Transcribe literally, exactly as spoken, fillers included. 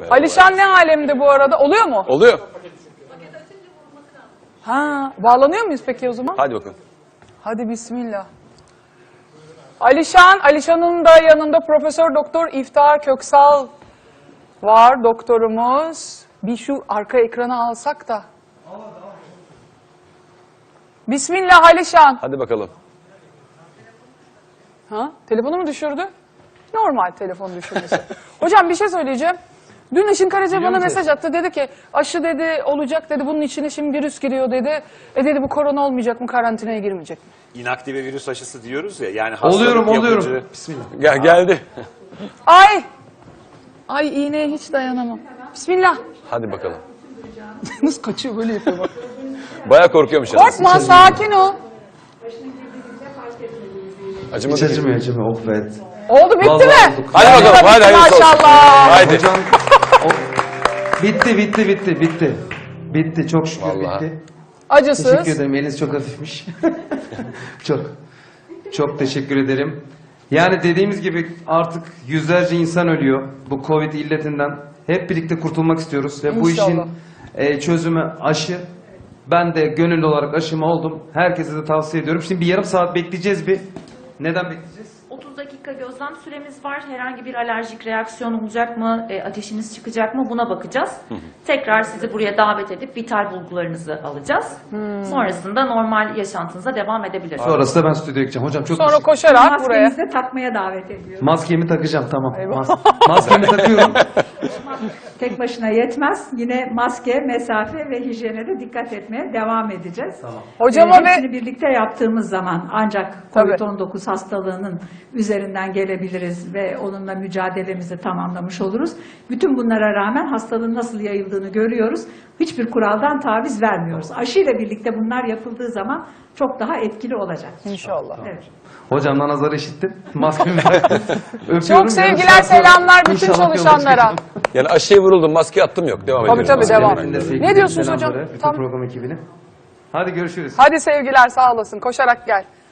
Merhaba. Alişan ne alemde bu arada? Oluyor mu? Oluyor. Ha, bağlanıyor muyuz peki o zaman? Hadi bakalım. Hadi bismillah. Alişan, Alişan'ın da yanında Profesör Doktor İftihar Köksal var, doktorumuz. Bir şu arka ekranı alsak da. Bismillah Alişan. Hadi bakalım. Ha? Telefonu mu düşürdü? Normal telefon düşürmesi. Hocam bir şey söyleyeceğim. Dün Işın Karaca bana mesaj attı. Dedi ki aşı dedi olacak dedi. Bunun içine şimdi virüs giriyor dedi. E dedi bu korona olmayacak mı? Karantinaya girmeyecek mi? İnaktive virüs aşısı diyoruz ya. Yani hastalık Oluyorum, oluyorum. yapıcı. Bismillah. Gel, geldi. Ay! Ay iğneye hiç dayanamam. Bismillah. Hadi bakalım. Nasıl kaçıyor böyle yapıyor bak. Bayağı korkuyormuş yalnız. Korkma sakin ol. Acımadı Hiç ki. acımıyor acımıyor. Oh be. Oldu bitti Vallahi mi? olduk. Hadi bakalım, Bitti hadi hayırlısı olsun. maşallah. Haydi. Hocam o- bitti bitti bitti bitti. Bitti çok şükür Vallahi. bitti. Acısız. Teşekkür ederim. Eliniz çok hafifmiş. çok çok teşekkür ederim. Yani dediğimiz gibi artık yüzlerce insan ölüyor bu Covid illetinden. Hep birlikte kurtulmak istiyoruz ve bu işin İnşallah. e, çözümü aşı. Ben de gönüllü olarak aşımı oldum. Herkese de tavsiye ediyorum. Şimdi bir yarım saat bekleyeceğiz bir. Neden bekleyeceğiz? otuz dakika gözlem süremiz var. Herhangi bir alerjik reaksiyon olacak mı? E, ateşiniz çıkacak mı? Buna bakacağız. Tekrar sizi buraya davet edip vital bulgularınızı alacağız. Sonrasında normal yaşantınıza devam edebilirsiniz. Sonrası da ben stüdyoya gideceğim. Hocam çok Sonra teşekkür- koşarak buraya. Maskenizi de takmaya davet ediyoruz. Maskemi takacağım tamam. Eyvah. Mas- maskemi takıyorum. Tek başına yetmez. Yine maske, mesafe ve hijyene de dikkat etmeye devam edeceğiz. Hocama Ee, hepsini ve birlikte yaptığımız zaman ancak Tabii. Covid on dokuz hastalığının üzerinden gelebiliriz ve onunla mücadelemizi tamamlamış oluruz. Bütün bunlara rağmen hastalığın nasıl yayıldığını görüyoruz. Hiçbir kuraldan taviz vermiyoruz. Aşıyla birlikte bunlar yapıldığı zaman çok daha etkili olacak. inşallah. Evet. Hocamdan nazarı işittim. Maskemi taktım. Öpüyorum. Çok sevgiler, Yarın saat sonra selamlar bütün inşallah yola çalışanlara. çıkacağım. Yani aşıya vuruldum, maske attım yok. Devam Tabii, ediyoruz. tabii, Maskeyle devam. ben Hepinize de. sevgiler, Ne diyorsunuz selamları, hocam? Bütün Tam- program ekibine. Hadi görüşürüz. Hadi sevgiler sağ olasın. Koşarak gel.